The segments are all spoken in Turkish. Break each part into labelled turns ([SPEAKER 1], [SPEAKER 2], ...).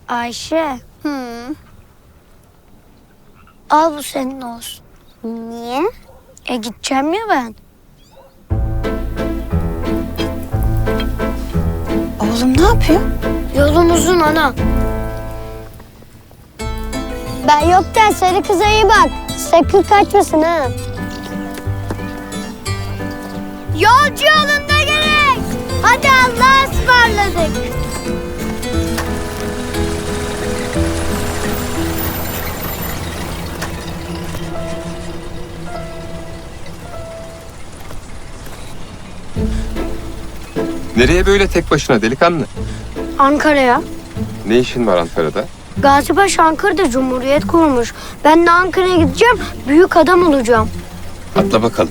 [SPEAKER 1] Ayşe,
[SPEAKER 2] Hı.
[SPEAKER 1] al bu senin olsun.
[SPEAKER 2] Niye?
[SPEAKER 1] Gideceğim ya ben.
[SPEAKER 2] Oğlum ne yapıyor?
[SPEAKER 1] Yolum uzun ana.
[SPEAKER 2] Ben yokken sarı kıza iyi bak. Sakın kaçmasın ha.
[SPEAKER 1] Yolcu yolunda gerek. Hadi Allah'a ısmarladık.
[SPEAKER 3] Nereye böyle tek başına delikanlı?
[SPEAKER 1] Ankara'ya.
[SPEAKER 3] Ne işin var Ankara'da?
[SPEAKER 1] Gazipaşa Ankara'da Cumhuriyet kurmuş. Ben de Ankara'ya gideceğim, büyük adam olacağım.
[SPEAKER 3] Atla bakalım.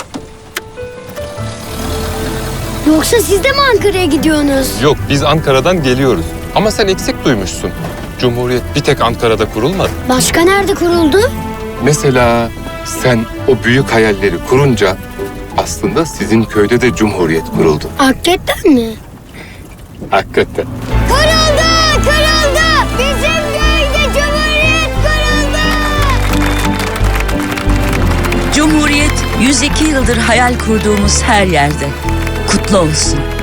[SPEAKER 1] Yoksa siz de mi Ankara'ya gidiyorsunuz?
[SPEAKER 3] Yok, biz Ankara'dan geliyoruz. Ama sen eksik duymuşsun. Cumhuriyet bir tek Ankara'da kurulmadı.
[SPEAKER 1] Başka nerede kuruldu?
[SPEAKER 3] Mesela sen o büyük hayalleri kurunca aslında sizin köyde de Cumhuriyet kuruldu.
[SPEAKER 1] Hakikaten mi?
[SPEAKER 3] Hakikaten.
[SPEAKER 1] Kuruldu! Kuruldu! Bizim köyde Cumhuriyet kuruldu!
[SPEAKER 4] Cumhuriyet 102 yıldır hayal kurduğumuz her yerde. Kutlu olsun.